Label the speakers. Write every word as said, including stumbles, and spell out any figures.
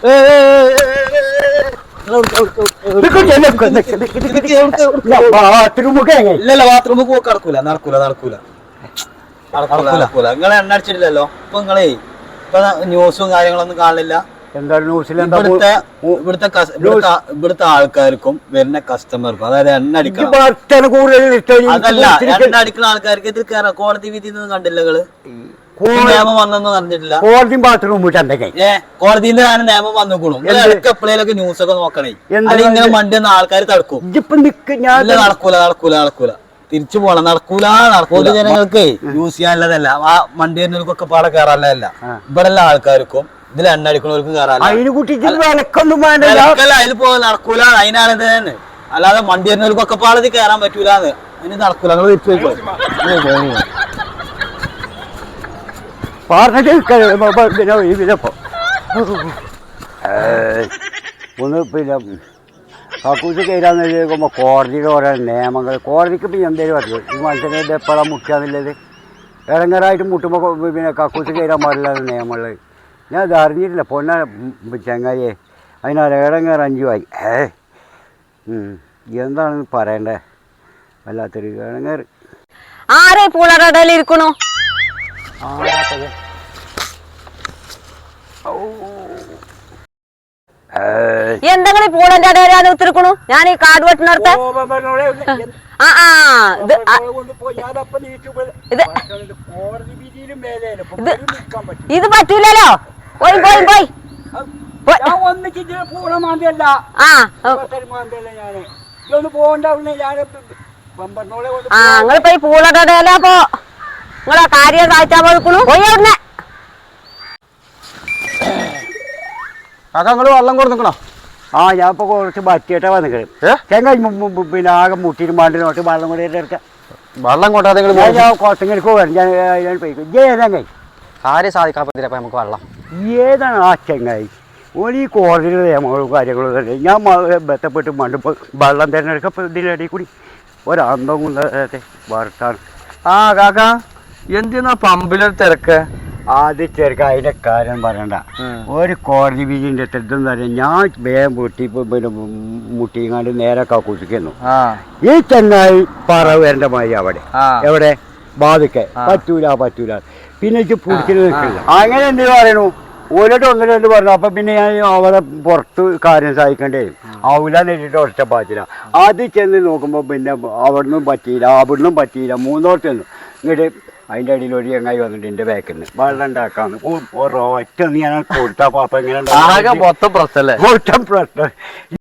Speaker 1: ഇല്ലല്ല ബാത്റൂമിൽ പോക്ക് നടക്കൂല നടക്കൂല നടക്കൂല നടക്കൂല നിങ്ങളെ എണ്ണ അടിച്ചിട്ടില്ലല്ലോ ഇപ്പൊ നിങ്ങളേ ഇപ്പൊ ന്യൂസും കാര്യങ്ങളൊന്നും കാണില്ല.
Speaker 2: എന്താണ് ന്യൂസിൽ?
Speaker 1: ഇവിടുത്തെ ഇവിടുത്തെ ഇവിടുത്തെ ആൾക്കാർക്കും വരുന്ന കസ്റ്റമർക്കും അതായത് എണ്ണ അടിക്കണം അതല്ല എണ്ണ അടിക്കുന്ന ആൾക്കാർക്ക് ഇത് കയറാം. കോടതി വിധി ഒന്നും കണ്ടില്ല നിങ്ങള്? നിയമം വന്നെന്ന് പറഞ്ഞിട്ടില്ല.
Speaker 2: കോടതി ബാത്റൂം
Speaker 1: ഏ കോടതിന്റെ ഞാൻ നിയമം വന്നുകൂടും. ഇടയ്ക്ക് എപ്പോഴേലൊക്കെ ന്യൂസ് ഒക്കെ നോക്കണേ. അല്ലെങ്കിൽ ഇങ്ങനെ വണ്ടി വന്ന ആൾക്കാർ തടുക്കും. നടക്കൂല നടക്കൂല നടക്കൂല തിരിച്ചു പോണം. നടക്കൂല നടക്കൂല. ജനങ്ങൾക്ക് യൂസ് ചെയ്യാനുള്ളതല്ല. ആ വണ്ടി വരുന്നവർക്കൊക്കെ പാടെ കയറാനുള്ളതല്ല. ഇവിടെ എല്ലാ ആൾക്കാർക്കും ഇതിൽ എണ്ണ അടിക്കുന്നവർക്കും കയറാനില്ല. അതിൽ പോ നടക്കൂല. അതിനാണ് ഇത് തന്നെ. അല്ലാതെ വണ്ടി വരുന്നവർക്കൊക്കെ പാടത് കയറാൻ പറ്റൂലെന്ന്. അതിന് നടക്കൂല. നിങ്ങൾ തിരിച്ചു പോയിക്കോ.
Speaker 2: ഒന്ന് പിന്നെ കക്കൂസ് കയറാന്ന് ചോദിക്കുമ്പോൾ കോടതിയുടെ ഓരോ നിയമങ്ങൾ. കോടതിക്ക് പിന്നെ എന്തേലും അറിയോ ഈ മനുഷ്യനെ എപ്പോഴാണ് മുട്ടാന്നുള്ളത്? ഇടങ്ങറായിട്ട് മുട്ടുമ്പോൾ പിന്നെ കക്കൂസ് കയറാൻ പാടില്ലാത്ത നിയമങ്ങൾ ഞാൻ അത് അറിഞ്ഞിട്ടില്ല. പൊന്ന ചങ്ങായിയെ അതിനാല് ഇടങ്ങേറ് അഞ്ചുമായി. ഏ എന്താണെന്ന് പറയണ്ടേ? വല്ലാത്തൊരു ഇടങ്ങേറ്.
Speaker 3: ആരെ പൂളടയിലിരിക്കണു? എന്തെങ്കിലും പൂളന്റെ അടയിലാണ് ഉത്തിരിക്കണു? ഞാൻ ഈ കാട് വെട്ടിനടുത്ത് ആ ആ ഇത് പറ്റൂലല്ലോ. പോയി പോയി പോയി ആ നിങ്ങളിപ്പോ ഈ പൂളടയില അപ്പൊ നിങ്ങളെ കാര്യം കാഴ്ചാൻ പോയിക്കണു. പോയി അവിടുന്ന്
Speaker 1: കാക്കങ്ങള് വെള്ളം കൊടുക്കണോ?
Speaker 2: ആ ഞാൻ ഇപ്പൊ കുറച്ച് ബറ്റിയിട്ടാ വന്നിട്ട് ചെങ്ങായി പിന്നെ ആകെ മുട്ടിയിട്ട് മാണ്ടിനോട്ട് വെള്ളം കൂടി എടുക്കാം.
Speaker 1: വെള്ളം കൊണ്ടാ
Speaker 2: ഞാൻ കുറച്ചെങ്കിലും വരും. ഞാൻ ഞാൻ പോയിക്കും. ഏതെങ്ങായി
Speaker 1: കാര്യം സാധിക്കാപ്പത്തില്ല നമുക്ക് വെള്ളം
Speaker 2: ഏതാണ് ആ ചെങ്ങായി? ഒരു ഈ കോടതിയുടെ നിയമങ്ങളും കാര്യങ്ങളും തന്നെ ഞാൻ ബന്ധപ്പെട്ട് മണ്ടുമ്പോൾ വെള്ളം തിരഞ്ഞെടുക്കപ്പോൾ ഇതിനിടയിൽ കൂടി ഒരന്തം കൊണ്ടത്തെ വറുത്താണ്.
Speaker 1: ആ കാക്ക എന്തിനാ പമ്പിലൊരു തിരക്ക്?
Speaker 2: ആദ്യം ചെറുക്ക അതിന്റെ കാര്യം പറയണ്ട. ഒരു കോടതി വിധിന്റെ തെറ്റെന്ന് പറയാം. ഞാൻ വേഗം പൊട്ടി പിന്നെ മുട്ടിങ്ങാണ്ട് നേരെ കക്കൂസിക്കുന്നു. ഈ ചെങ്ങായി പറ വരേണ്ട മാതിരി അവിടെ എവിടെ ബാധിക്ക പറ്റൂല പറ്റൂല. പിന്നെ എനിക്ക് പിടിച്ചിട്ട് നിൽക്കില്ല. അങ്ങനെ എന്ത് പറയണു? ഓരോട്ട് ഒന്ന് രണ്ട് പറഞ്ഞു. അപ്പൊ പിന്നെ ഞാൻ അവിടെ പുറത്ത് കാര്യം സഹായിക്കേണ്ടി വരും. ആവില്ല നേരിട്ട് ഒറ്റ പാറ്റില്ല. അത് ചെന്ന് നോക്കുമ്പോൾ പിന്നെ അവിടുന്നും പറ്റിയില്ല അവിടുന്നും പറ്റിയില്ല. മൂന്നോട്ട് ചെന്നു. ഇങ്ങോട്ട് അതിൻ്റെ അടിയിൽ ഒരു ചങ്ങായി വന്നിട്ട് എൻ്റെ ബാക്കിൽ നിന്ന് വെള്ളം ഉണ്ടാക്കാന്ന് ഒറ്റ ഞാൻ കൊടുത്താൽ അപ്പം എങ്ങനെ
Speaker 1: മൊത്തം പ്രശ്നം
Speaker 2: മൊത്തം പ്രശ്നം.